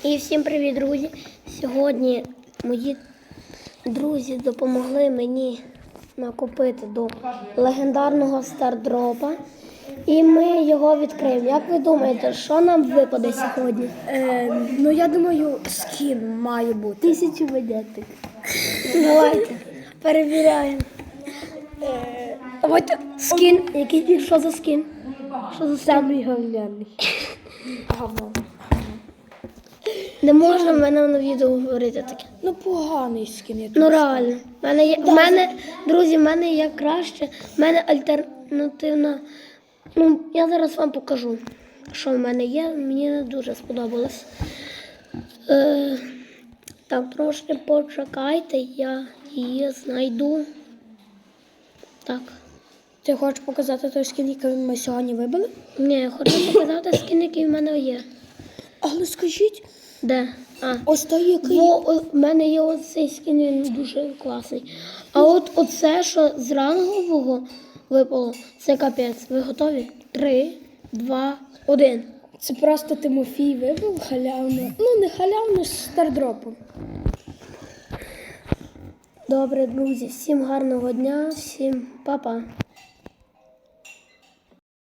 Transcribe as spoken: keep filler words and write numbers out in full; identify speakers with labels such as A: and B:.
A: І всім привіт, друзі! Сьогодні мої друзі допомогли мені накопити до легендарного стардропа. І ми його відкриємо. Як ви думаєте, що нам випаде сьогодні?
B: Е, ну, я думаю, скін має бути.
A: Тисячу монеток. Давайте, перевіряємо.
B: Е,
A: Давайте скін. Який, що за скін? Що за скін?
B: Самий говняний. Говно.
A: Не можна в мене на відео говорити таке.
B: Ну, поганий скін. Я
A: Ну реально. В мене є, в мене, друзі, в мене є краще. В мене альтернативна. Ну, я зараз вам покажу, що в мене є. Мені не дуже сподобалось. Е, так, трошки почекайте, я її знайду. Так.
B: Ти хочеш показати той скін, який ми сьогодні вибили?
A: Ні, я хочу показати скін, який в мене є.
B: Але скажіть,
A: Де? А.
B: ось той, який...
A: Во, о, в мене є оцей скін, він дуже класний. А от оце, що з рангового випало, це капець. Ви готові? Три, два, один.
B: Це просто Тимофій вибив халявно. Ну, не халявно, з стардропом.
A: Добре, друзі, всім гарного дня, всім па-па.